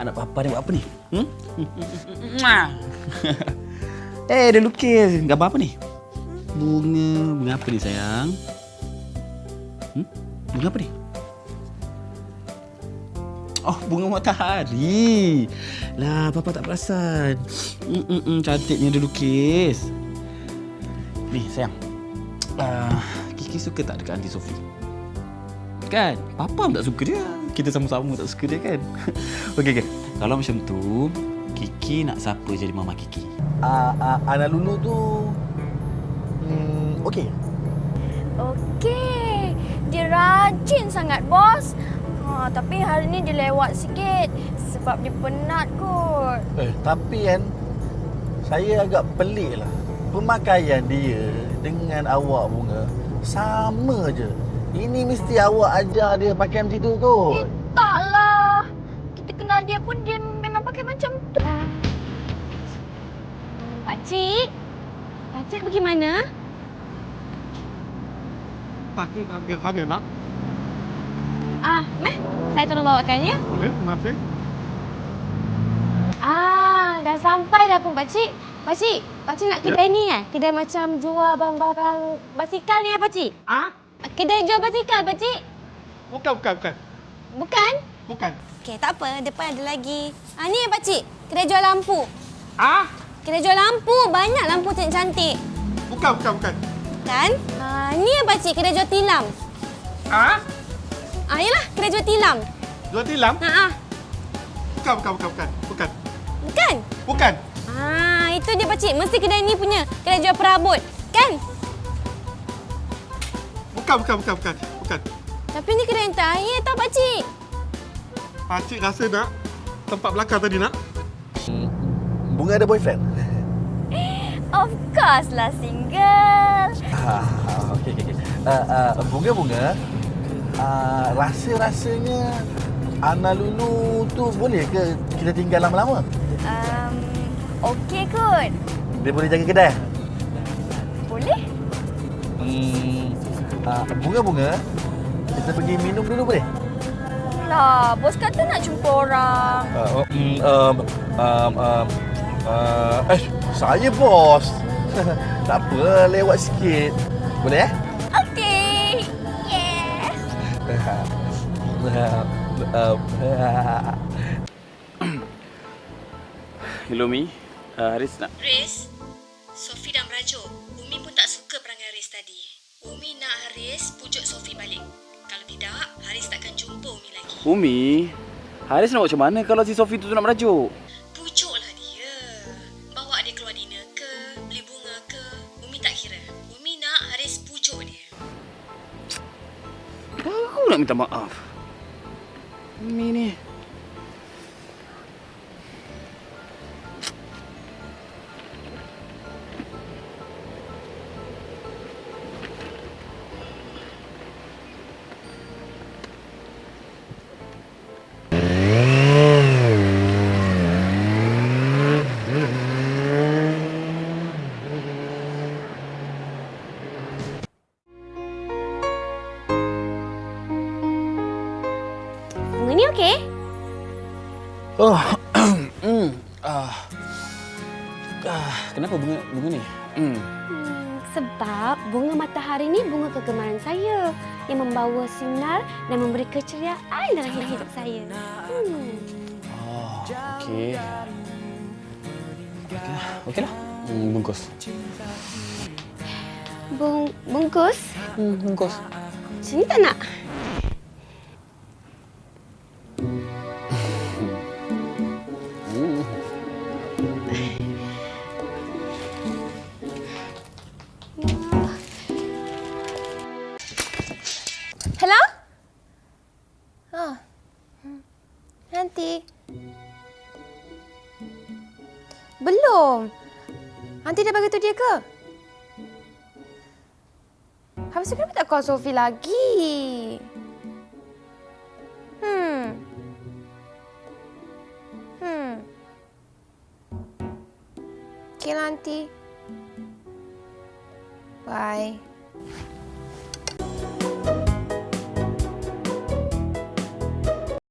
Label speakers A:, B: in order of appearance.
A: Anak papa ni buat apa ni? Dia lukis. Gambar apa ni? Bunga apa ni sayang? Bunga apa ni? Oh, bunga matahari. Lah, papa tak perasan. Cantiknya dia lukis. Ni sayang. Kiki suka tak dekat Aunty Sophie? Kan? Papa pun tak suka dia. Kita sama-sama tak suka dia kan? Okey. Kalau macam tu, Kiki nak siapa jadi mama Kiki?
B: Anak Lulu tu... okey.
C: Okey. Dia rajin sangat, bos. Tapi hari ni dia lewat sikit sebab dia penat kot.
B: Tapi kan, saya agak pelik lah. Pemakaian dia dengan awak bunga sama je. Ini mesti awak ajar dia pakai macam tu kot.
C: Taklah. Kita kenal dia pun dia memang pakai macam tu.
D: Pakcik pergi mana?
E: Pakai nak?
D: Meh, saya tolong bawakan ya.
E: Boleh, terima kasih.
D: Dah sampai dah pun pakcik. Pakcik nak kedai ni Kedai macam jual barang-barang basikal ni pakcik? Kedai jual basikal pakcik?
E: Bukan.
D: Bukan? Okey, tak apa. Depan ada lagi. Ni pakcik, kedai jual lampu. Kedai jual lampu, banyak lampu cantik-cantik.
E: Bukan.
D: Kan? Ni pakcik, kedai jual tilam. Yalah, kedai jual tilam.
E: Jual tilam? Bukan.
D: Bukan? Itu dia pakcik. Mesti kedai ni punya. Kedai jual perabot. Kan?
E: Bukan.
D: Tapi ni kedai yang terakhir tau pakcik.
E: Pakcik rasa nak tempat belakang tadi nak?
B: Bunga ada boyfriend?
C: Of course lah, single.
B: Okey. Bunga. Rasa-rasanya Anak Lulu tu boleh ke kita tinggal lama-lama?
C: Okey kot.
B: Dia boleh jaga kedai?
C: Boleh?
B: Bunga, kita pergi minum dulu boleh?
C: Lah, bos kata nak jumpa orang.
B: Saya bos. Tak apa, lewat sikit. Boleh
C: Okey. Yes.
A: Hello, Mi. Haris nak...
F: Haris, Sophie dah merajuk. Umi pun tak suka perangai Haris tadi. Umi nak Haris pujuk Sophie balik. Kalau tidak, Haris takkan jumpa Umi lagi.
A: Umi, Haris nak buat macam mana kalau si Sophie tu nak merajuk?
F: Pujuklah dia. Bawa dia keluar dinner ke, beli bunga ke, Umi tak kira. Umi nak Haris pujuk dia.
A: Aku nak minta maaf. Umi ni...
D: Bunga ni okey?
A: Kenapa bunga ni?
D: Sebab bunga matahari ni bunga kegemaran saya yang membawa sinar dan memberi keceriaan dalam hidup saya.
A: Okey. Okeylah. Bungkus.
D: Bungkus?
A: Bungkus.
D: Sini tak nak?
C: Hello? Nanti. Belum. Nanti dah bagi tu dia ke? Habis tu kenapa tak call Sophie lagi? Okay lah, Aunty. Bye.